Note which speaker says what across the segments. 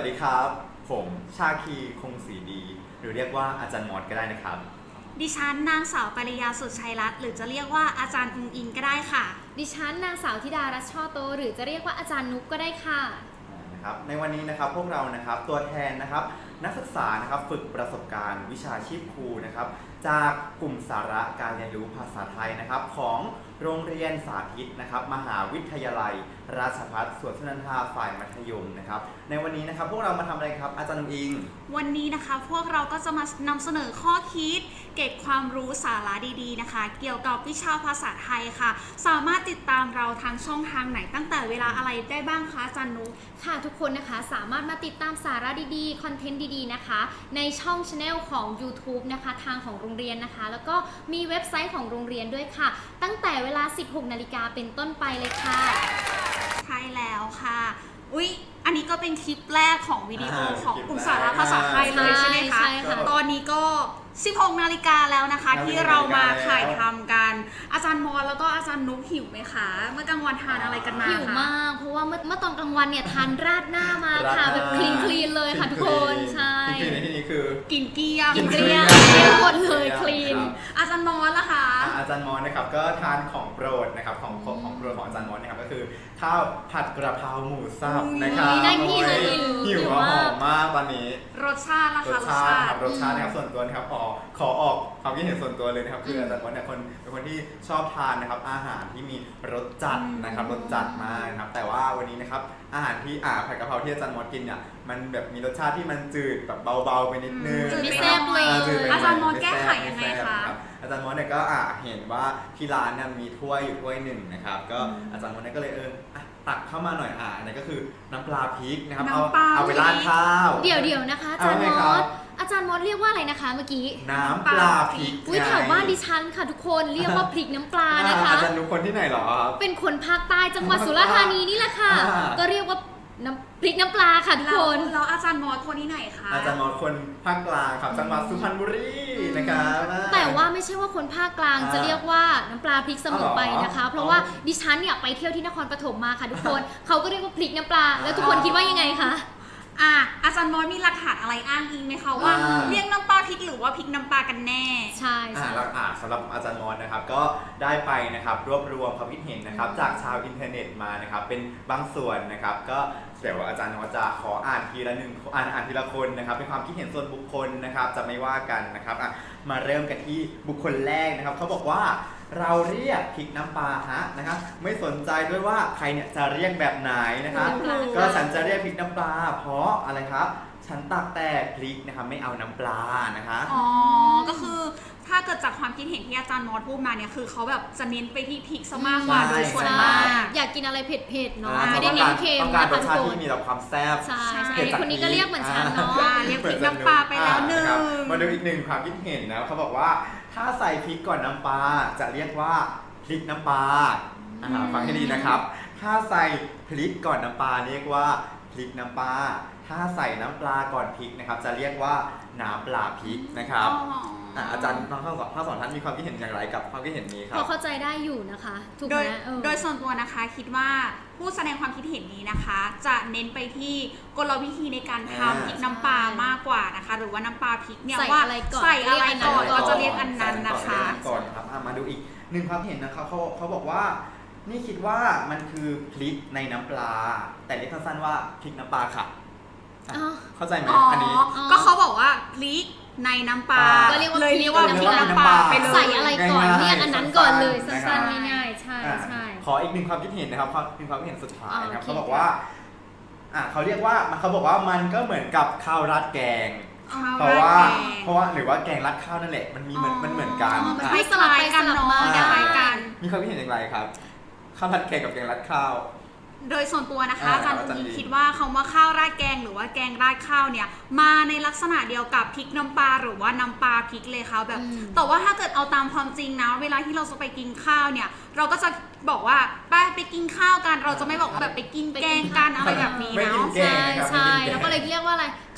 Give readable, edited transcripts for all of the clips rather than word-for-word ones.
Speaker 1: วัสดีครับผมชาคีคงศรีดีหรือเรียกว่าอาจารย์มอสก็ได้นะครับ
Speaker 2: ดิฉันนางสาวปริยาสุดชัยรัตน์หรือจะเรียกว่าอาจารย์อุงอิงก็ได้ค่ะ
Speaker 3: ดิฉันนางสาวธิดารัชช่อโตหรือจะเรียกว่าอาจารย์นุกก็ได้ค่ะ
Speaker 1: นะครับในวันนี้นะครับพวกเรานะครับตัวแทนนะครับนักศึกษานะครับฝึกประสบการณ์วิชาชีพครูนะครับจากกลุ่มสาระการเรียนรู้ภาษาไทยนะครับของโรงเรียนสาธิตนะครับมหาวิทยาลัยราชภัฏสวนสุนันทาฝ่ายมัธยมนะครับในวันนี้นะครับพวกเรามาทำอะไรครับอาจารย์นุอิง
Speaker 2: วันนี้นะคะพวกเราก็จะมานำเสนอข้อคิดเกร็ดความรู้สาระดีๆนะคะเกี่ยวกับวิชาภาษาไทยค่ะสามารถติดตามเราทางช่องทางไหนตั้งแต่เวลาอะไรได้บ้างคะอาจารย์นุ
Speaker 3: ค่ะทุกคนนะคะสามารถมาติดตามสาระดีๆคอนเทนต์ดีๆนะคะในช่อง Channel ของ YouTube นะคะทางของโรงเรียนนะคะแล้วก็มีเว็บไซต์ของโรงเรียนด้วยค่ะตั้งแต่เวลา 16 นาฬิกาเป็นต้นไปเลยค่ะ
Speaker 2: ใช่แล้วค่ะอุ๊ยอันนี้ก็เป็นคลิปแรกของวิดีโอของกลุ่มสาระภาษาไทยเลยใช่ไหมคะตอนนี้ก็16 นาฬิกาแล้วนะคะที่เรามาถ่ายทำกันอาจารย์มอสแล้วก็อาจารย์นุ๊กหิวไหมคะเมื่อกลางวันทานอะไรกันมา
Speaker 3: หิวมากเพราะว่าเมื่อตอนกลางวันเนี่ยทานราดหน้ามาค่ะแบบคลีนเลยค่ะทุกคนใช่
Speaker 1: คลีนในที่นี้คือ
Speaker 2: กินเกลี้ยง
Speaker 3: หมดเลยคลีน
Speaker 2: อาจารย์มอสล่ะคะ
Speaker 1: อาจารย์มอสนะครับก็ทานของโปรดนะครับของโปรดของอาจารย์มอสนะครับก็คือข้าวผัดกระเพราหมูสับนะครับ
Speaker 3: ได้กินเลย
Speaker 1: หิวหอมมากตอนนี้
Speaker 2: รสชาติล่ะคะ
Speaker 1: รสชาตินะครับส่วนตัวนะครับขอออกความคิดเห็นส่วนตัวเลยนะครับคืออาจารย์มอสเนี่ยเป็นคนที่ชอบทานนะครับอาหารที่มีรสจัดนะครับรสจัดมากนะครับแต่ว่าวันนี้นะครับอาหารที่ผัดกะเพราที่อาจารย์มอสกินเนี่ยมันแบบมีรสชาติที่มันจืดแบบเบาๆไปนิดนึง
Speaker 3: ไม่แซ่บเลย
Speaker 2: อาจารย์มอสแก้ไขยังไงคะ
Speaker 1: อาจารย์มอสเนี่ยก็เห็นว่าที่ร้านเนี่ยมีถ้วยอยู่ถ้วยหนึ่งนะครับก็อาจารย์มอสเนี่ยก็เลยตักเข้ามาหน่อยอันนี้ก็คือน้ำปลาพริกนะครับเอาไปราดข้าว
Speaker 3: เดี๋ยวนะคะอาจารย์มอสอาจารย์มอสเรียกว่าอะไรนะคะเมื่อกี้
Speaker 1: น้ำปลาพริก
Speaker 3: แถวบ้านดิฉันค่ะทุกคนเรียกว่าพริกน้ำปลานะคะ
Speaker 1: อาจารย์นุคนที่ไหนหรอ
Speaker 3: เป็นคนภาคใต้จังหวัดสุราษฎร์ธานีนี่แหละค่ะก็เรียกว่าพริกน้ำปลาค่ะทุกคน
Speaker 2: แล้วอาจารย์มอสคนที่ไหนคะ
Speaker 1: อาจารย์มอสคนภาคกลางครับจังหวัดสุพรรณบุรีนะครับ
Speaker 3: แต่ว่าไม่ใช่ว่าคนภาคกลางจะเรียกว่าน้ำปลาพริกเสมอไปนะคะเพราะว่าดิฉันเนี่ยไปเที่ยวที่นครปฐมมาค่ะทุกคนเขาก็เรียกว่าพริกน้ำปลาแล้วทุกคนคิดว่ายังไงคะ
Speaker 2: อาจารย์มอสมีหลักฐานอะไรอ้างอิงไหมคะว่าเรียกน้ำปลาพริกหรือว่าพริกน้ำปลากันแน่
Speaker 3: ใช่
Speaker 1: สำหรับอาจารย์มอสนะครับก็ได้ไปนะครับรวบรวมความคิดเห็นนะครับจากชาวอินเทอร์เน็ตมานะครับเป็นบางส่วนนะครับก็เดี๋ยวอาจารย์มอสจะขออ่านทีละคนนะครับเป็นความคิดเห็นส่วนบุคคลนะครับจะไม่ว่ากันนะครับมาเริ่มกันที่บุคคลแรกนะครับเขาบอกว่าเราเรียกพริกน้ำปลานะครับไม่สนใจด้วยว่าใครเนี่ยจะเรียกแบบไหนนะครับก็ฉันจะเรียกพริกน้ำปลาเพราะอะไรครับฉันตักแต่พริกนะครับไม่เอาน้ำปลานะคะ
Speaker 2: ก็คือถ้าเกิดจากความคิดเห็นที่อาจารย์มอสพูดมาเนี่ยคือเขาแบบจะเน้นไปที่พริกซะมากกว่าโดยส่วนมาก
Speaker 3: อยากกินอะไรเผ็ดๆเนาะไม่ได้เน้นเค็ม
Speaker 1: นะคะทุกคนที่มีแต่ความแซ่บ
Speaker 3: ใช่คนนี้ก็เรียกเหมือนฉันเนาะ
Speaker 2: เรียกพริกน้ำปลาไปแล้วหนึ่ง
Speaker 1: มาดูอีกหนึ่งความคิดเห็นนะเขาบอกว่าถ้าใส่พริกก่อนน้ำปลาจะเรียกว่าพริกน้ำปลาฟังให้ดีนะครับถ้าใส่พริกก่อนน้ำปลาเรียกว่าพริกน้ำปลาถ้าใส่น้ำปลาก่อนพริกนะครับจะเรียกว่าน้ำปลาพริกนะครับอาจารย์ทั้งสองท่านมีความคิดเห็นอย่างไรกับความคิดเห็นนี้ครับ
Speaker 3: พอเข้าใจได้อยู่นะคะถูกไหม
Speaker 2: โดยส่วนตัวนะคะคิดว่าผู้แสดงความคิดเห็นนี้นะคะจะเน้นไปที่กลวิธีในการทำพริกน้ำปลามากกว่านะคะหรือว่าน้ำปลาพริกเนี่ยว่าใส่อะไรก่อนก็จะเรียกอันนั้นนะคะ
Speaker 1: ก่อนครับมาดูอีกหนึ่งความเห็นนะครับเขาบอกว่านี่คิดว่ามันคือพริกในน้ำปลาแต่เรียกสั้นๆว่าพริกน้ำปลาค่ะเข้าใจไหมอันนี้
Speaker 2: ก็เขาบอกว่าพริกในน้ำปลา
Speaker 3: ก็เรียกว่าพริ
Speaker 2: กน้ำปลาไปเลย
Speaker 3: ใส่อะไรก่อนเรียกอันนั้นก่อนเลยสั้นๆง่ายๆใช่
Speaker 1: ขออีกหนึ่งความคิดเห็นนะครับเป็นความคิดเห็นสุดท้ายนะครับเขาบอกว่าเขาเรียกว่าเขาบอกว่ามันก็เหมือนกับข้าวราดแกงเพราะว่าหรือว่าแกงราดข้าวนั่นแหละมันเหมือนกัน
Speaker 2: มันไม่สลายกันเนาะ
Speaker 1: มีความคิดเห็นอย่างไรครับข้าวราดแกงกับแกงราดข้าว
Speaker 2: โดยส่วนตัวนะคะอาจารย์อุ้งอิงคิดว่าคำว่าข้าวราดแกงหรือว่าแกงราดข้าวเนี่ยมาในลักษณะเดียวกับพริกน้ำปลาหรือว่าน้ำปลาพริกเลยค่ะแบบแต่ว่าถ้าเกิดเอาตามความจริงนะเวลาที่เราจะไปกินข้าวเนี่ยเราก็จะบอกว่าไปกินข้าวกันเราจะไม่บอกแบบไปกินแกงกันอะไรแบบนี้เนาะ
Speaker 3: ใช่แล้วก็เลยเรียกว่าอะไรข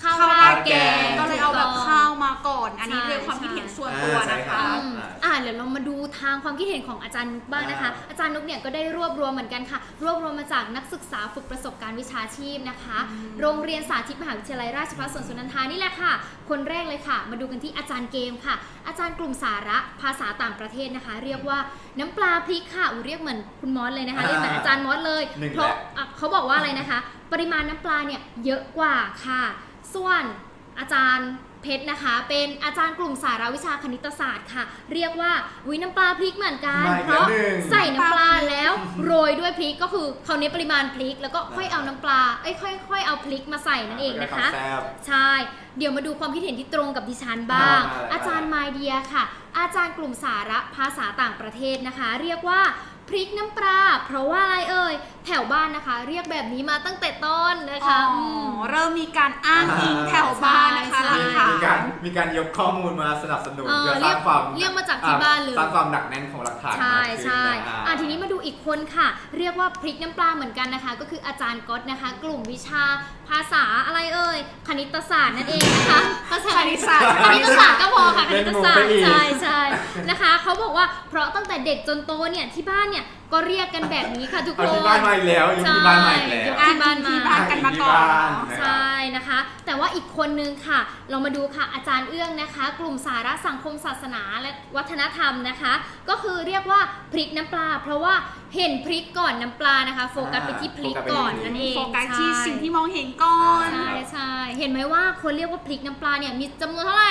Speaker 3: ข้าว
Speaker 2: ข้าว
Speaker 3: รา
Speaker 2: รา
Speaker 3: ด
Speaker 2: ด
Speaker 3: แก
Speaker 2: แก
Speaker 3: ง
Speaker 2: งก็เลยเอาแบบข้าวมาก่อน อันนี้เป็นความคิดเห็นส่วนตัวนะคะ
Speaker 3: เดี๋ยวเรามาดูทางความคิดเห็นของอาจารย์นุกบ้างนะคะ อาจารย์นุกเนี่ยก็ได้รวบรวมเหมือนกันค่ะ รวบรวมมาจากนักศึกษาฝึกประสบการณ์วิชาชีพนะคะ โรงเรียนสาธิตมหาวิทยาลัยราชภัฏสวนสุนันทานี่แหละค่ะ คนแรกเลยค่ะ มาดูกันที่อาจารย์เกมค่ะ อาจารย์กลุ่มสาระภาษาต่างประเทศนะคะ เรียกว่าน้ำปลาพริกค่ะเรียกเหมือนคุณมอสเลยนะคะ เรียกเหมือนอาจารย์มอสเลย เพราะเขาบอกว่าอะไรนะคะ ปริมาณน้ำปลาเนี่ยเยอะกว่าค่ะ ส่วนอาจารย์เพชรนะคะ เป็นอาจารย์กลุ่มสาระวิชาคณิตศาสตร์ค่ะ เรียกว่าน้ำปลาพริกเหมือนกัน เพราะใส่น้ำปลาแล้วโรยด้วยพริกก็คือเขาเน้นปริมาณพริก แล้วก็ค่อยเอาน้ำปลาค่อยเอาพริกมาใส่นั่นเองนะคะ ใช่ เดี๋ยวมาดูความคิดเห็นที่ตรงกับดิฉันบ้าง อาจารย์ไมเดียค่ะ อาจารย์กลุ่มสาระภาษาต่างประเทศนะคะ เรียกว่าพริกน้ำปลาเพราะว่าอะไรเอ่ยแถวบ้านนะคะ เรียกแบบนี้มาตั้งแต่ต้นนะคะ
Speaker 2: เริ่มมีการอ้างอิงแถวบ้านนะคะหลักฐาน
Speaker 1: มีการยกข้อมูลมาสนับสนุนเพื่อสร้างความ
Speaker 3: เรียกมาจากที่บ้านเลย
Speaker 1: สร้างความหนักแน่นของหลักฐาน
Speaker 3: ใช่
Speaker 1: มากขึ้น
Speaker 3: ใช่
Speaker 1: นะ
Speaker 3: ทีนี้มาดูอีกคนค่ะ เรียกว่าพริกน้ำปลาเหมือนกันนะคะ ก็คืออาจารย์ก๊อตนะคะ กลุ่มวิชาภาษาอะไรเอ่ยคณิตศาสตร์นั่นเองนะคะภาษาคณิตศาสตร์ก็พอค่ะคณิตศาสตร์ใช่นะคะเขาบอกว่าเพราะตั้งแต่เด็กจนโตเนี่ยที่บ้านเนี่ยก็เรียกกันแบบนี้ค่ะทุกคน
Speaker 1: ที่บ้านมาอีกแล้วยุคที่บ้านมาอีกแล้ว
Speaker 3: ที่บ้านมา
Speaker 2: กันมาก่อน
Speaker 3: ใช่นะคะ แต่ว่าอีกคนนึงค่ะ เรามาดูค่ะอาจารย์เอื้องนะคะ กลุ่มสาระสังคมศาสนาและวัฒนธรรมนะคะ ก็คือเรียกว่าพริกน้ำปลาเพราะว่าเห็นพริกก่อนน้ำปลานะคะ โฟกัสไปที่พริกก่อนนั่นเอง
Speaker 2: โฟกัสที่สิ่งที่มองเห็นก่อน
Speaker 3: ใช่เห็นไหมว่าคนเรียกว่าพริกน้ำปลาเนี่ยมีจำนวนเท่าไหร่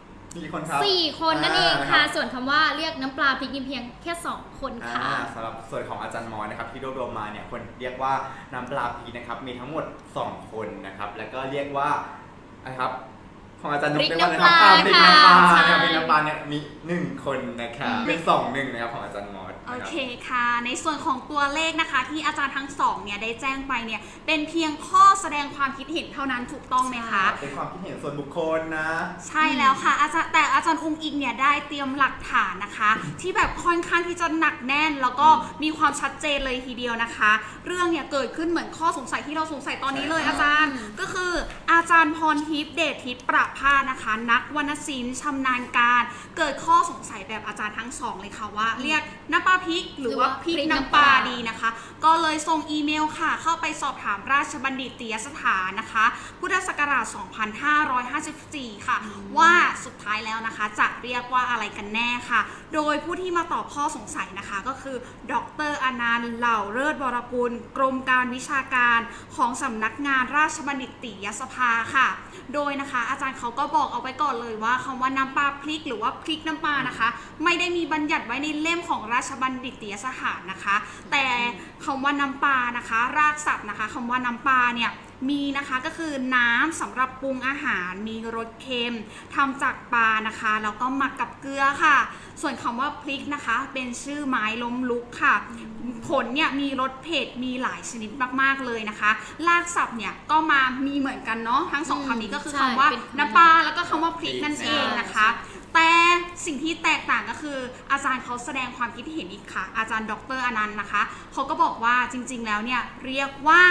Speaker 1: 4 คนครับ
Speaker 3: 4 คนนั่นเองค่ะ ส่วนคำว่าเรียกน้ำปลาพริกนี่เพียงแค่2 คนค่ะ
Speaker 1: สำหรับส่วนของอาจารย์มอสนะครับที่รวบรวมมาเนี่ยคนเรียกว่าน้ำปลาพริกนะครับมีทั้งหมด2 คนนะครับแล้วก็เรียกว่านะครับของอาจารย์นุ๊กเรียกว่าอะไรครับพริกน้ำปลาเนี่ยพริกน้ำปลาเนี่ยมี1 คนนะครับเป็น2-1นะครับของอาจารย์มอส
Speaker 2: โอเคค่ะในส่วนของตัวเลขนะคะที่อาจารย์ทั้งสองเนี่ยได้แจ้งไปเนี่ยเป็นเพียงข้อแสดงความคิดเห็นเท่านั้นถูกต้องไหมคะ
Speaker 1: เป็นความคิดเห็นส่วนบุคคลนะ
Speaker 2: ใช่แล้วค่ะแต่อาจารย์อุ้งอิงเนี่ยได้เตรียมหลักฐานนะคะ ที่แบบค่อนข้างที่จะหนักแน่น แล้วก็มีความชัดเจนเลยทีเดียวนะคะ เรื่องเนี่ยเกิดขึ้นเหมือนข้อสงสัยที่เราสงสัยตอนนี้เลยอาจารย์ก็คืออาจารย์พรทิพย์เดชทิพย์ประภาสนะคะนักวรรณศิลป์ชำนาญการเกิดข้อสงสัยแบบอาจารย์ทั้งสองเลยค่ะว่าเรียกน้ำปลาพริกหรือว่าพริกน้ำปลาดีนะคะก็เลยส่งอีเมลค่ะเข้าไปสอบถามราชบัณฑิตยสถานนะคะพุทธศักราช 2554 ค่ะว่าสุดท้ายแล้วนะคะจะเรียกว่าอะไรกันแน่ค่ะโดยผู้ที่มาตอบข้อสงสัยนะคะก็คือดร.อนันต์เหล่าเลิศวรกุลกรมการวิชาการของสำนักงานราชบัณฑิตยสภาค่ะโดยนะคะอาจารย์เขาก็บอกเอาไว้ก่อนเลยว่าคำว่าน้ำปลาพริกหรือว่าพริกน้ำปลานะคะไม่ได้มีบัญญัติไว้ในเล่มของราชบัณฑิตยสถานนะคะแต่คำว่าน้ำปลานะคะรากศัพท์นะคะคำว่าน้ำปลาเนี่ยมีนะคะก็คือน้ำสำหรับปรุงอาหารมีรสเค็มทำจากปลานะคะแล้วก็หมักกับเกลือค่ะส่วนคำว่าพริกนะคะเป็นชื่อไม้ล้มลุกค่ะผลเนี่ยมีรสเผ็ดมีหลายชนิดมากๆเลยนะคะรากศัพท์เนี่ยก็มามีเหมือนกันเนาะทั้งสองคำนี้ก็คือคำว่าน้ำปลาแล้วก็คำว่าพริกนั่นเองนะคะแต่สิ่งที่แตกต่างก็คืออาจารย์เขาแสดงความคิดเห็นอีกค่ะอาจารย์ดร.อนันต์นะคะเขาก็บอกว่าจริงๆแล้วเนี่ยเรียกว่า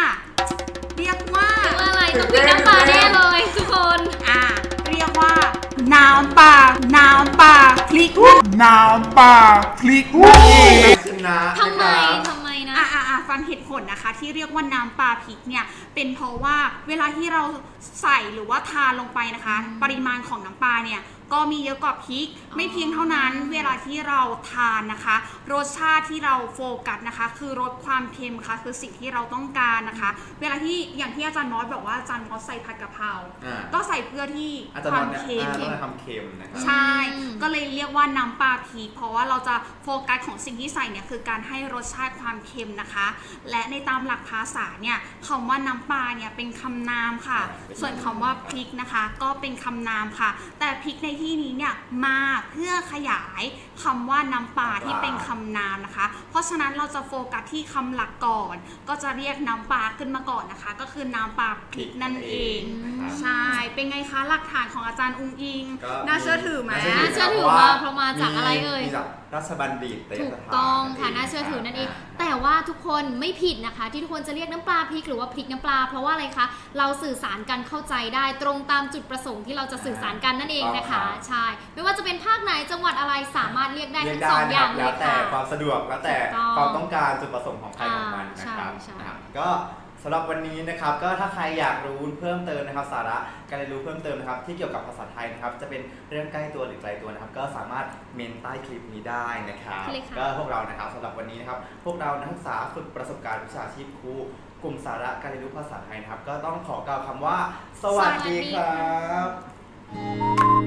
Speaker 3: อะไรต้องพริกน้ำปลาแน่เลยทุกคน
Speaker 2: เรียกว่าน้ำปลาพริก
Speaker 4: น้ำปลาพริกนั่นเอง
Speaker 3: ทำไมนะ
Speaker 2: ฟังเหตุผลนะคะที่เรียกว่าน้ำปลาพริกเนี่ยเป็นเพราะว่าเวลาที่เราใส่หรือว่าทานลงไปนะคะปริมาณของน้ำปลาเนี่ยก็มีเยอะกว่าพริกไม่เพียงเท่านั้นเวลาที่เราทานนะคะรสชาติที่เราโฟกัสนะคะคือรสความเค็มค่ะคือสิ่งที่เราต้องการนะคะเวลาที่อย่างที่อาจารย์มอสบอกว่าอาจารย์มอสใส่ผัดกะเพราก็ใส่เพื่อที่ความเค็มใช่ก็เลยเรียกว่าน้ำปลาพริกเพราะว่าเราจะโฟกัสของสิ่งที่ใส่เนี่ยคือการให้รสชาติความเค็มนะคะและในตามหลักภาษาเนี่ยคำว่าน้ำปลาเนี่ยเป็นคำนามค่ะส่วนคำว่าพริกนะคะก็เป็นคำนามค่ะแต่พริกในที่นี้เนี่ยมาเพื่อขยายคำว่าน้ำปลาที่เป็นคำนามนะคะเพราะฉะนั้นเราจะโฟกัสที่คำหลักก่อนก็จะเรียกน้ำปลาขึ้นมาก่อนนะคะก็คือน้ำปลาพริกนั่นเองใช่เป็นไงคะหลักฐานของอาจารย์อุ้งอิงน่าเชื่อถือไหม
Speaker 3: น่าเชื่อถือว่าเพราะมาจากอะไรเอ่ย
Speaker 1: ราชบัณฑิต
Speaker 3: ถูกต้องค่ะน่าเชื่อถือนั่นเองแต่ว่าทุกคนไม่ผิดนะคะที่ทุกคนจะเรียกน้ำปลาพริกหรือว่าพริกน้ำปลาเพราะว่าอะไรคะเราสื่อสารกันเข้าใจได้ตรงตามจุดประสงค์ที่เราจะสื่อสารกันนั่นเองนะคะใช่ไม่ว่าจะเป็นภาคไหนจังหวัดอะไรสามารถเรียกได้ทั้งสองอย่างเลยค่ะ
Speaker 1: แล้วแต่ความสะดวกแล้วแต่ความต้องการจุดประสงค์ของใครของมันนะครับ
Speaker 3: ใช่
Speaker 1: ก็สำหรับวันนี้นะครับก็ถ้าใครอยากรู้เพิ่มเติมนะครับสาระการเรียนรู้เพิ่มเติมนะครับที่เกี่ยวกับภาษาไทยนะครับจะเป็นเรื่องใกล้ตัวหรือไกลตัวนะครับก็สามารถเมนใต้คลิปนี้ได้นะครับก็พวกเรานะครับสำหรับวันนี้นะครับพวกเรานักศึกษาฝึกประสบการณ์วิชาชีพครูกลุ่มสาระการเรียนรู้ภาษาไทยนะครับก็ต้องขอกล่าวคำว่าสวัสดีครับ